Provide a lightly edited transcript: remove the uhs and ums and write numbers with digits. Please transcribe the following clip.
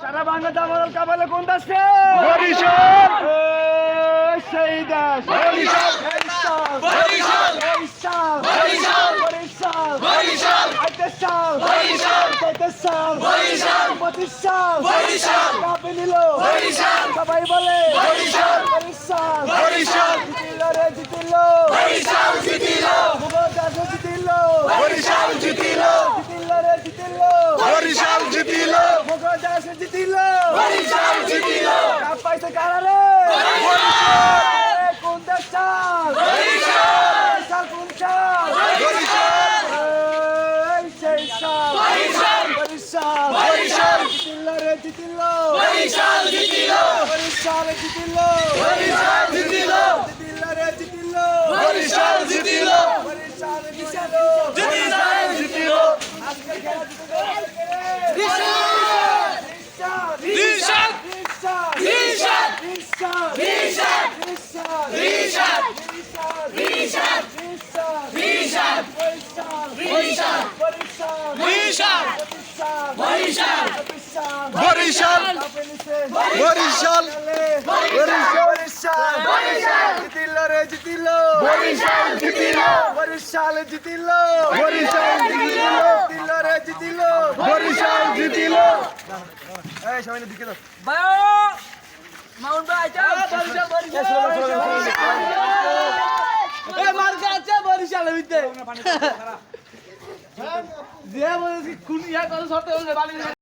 সারা বাংলা দামাল কাবালে কোন দেশে? বরিশাল সেই দেশ বরিশাল বরিশাল বরিশাল বরিশাল বরিশাল বরিশাল বরিশাল আইতেশাল বরিশাল তেতেশাল বরিশাল পঁচিশাল বরিশাল কাঁপে নিল বরিশাল সবাই বলে বরিশাল বরিশাল বরিশাল জিতিল রে জিতিল বরিশাল জিতিল ভুবদাস জিতিল বরিশাল জিতিল জিতিল রে জিতিল বরিশাল জিতিল ভুবদাস জিতিল বরিশাল জিতিল কাপ পাইছে কারা রে? বরিশাল কোন দেশ চাল? বরিশাল কোন চাল? বরিশাল সেই চাল বরিশাল বরিশাল বরিশাল জিতিল রে জিতিল বরিশাল জিতিল বরিশাল জিতিল বরিশাল জিতিল জিতিল রে জিতিল বরিশাল জিতিল বরিশাল জিতিল বরিশাল জিতিল আজকে খেলা জিতে গেল রিশাদ রিশাদ রিশাদ রিশাদ রিশাদ রিশাদ বরিশাল বরিশাল বরিশাল বরিশাল বরিশাল বরিশাল জিতিল রে জিতিল বরিশাল জিতিল বরিশাল জিতিল বরিশাল জিতিল জিতিল রে জিতিল বরিশাল জিতিল এই সবাই দিকে দাও মাউন্ট ভাই আচ্ছা বরিশাল এ মার্কা আছে বরিশালের ভিতরে যে বলেছি কোন ইয়া কত শর্তে হলে বালি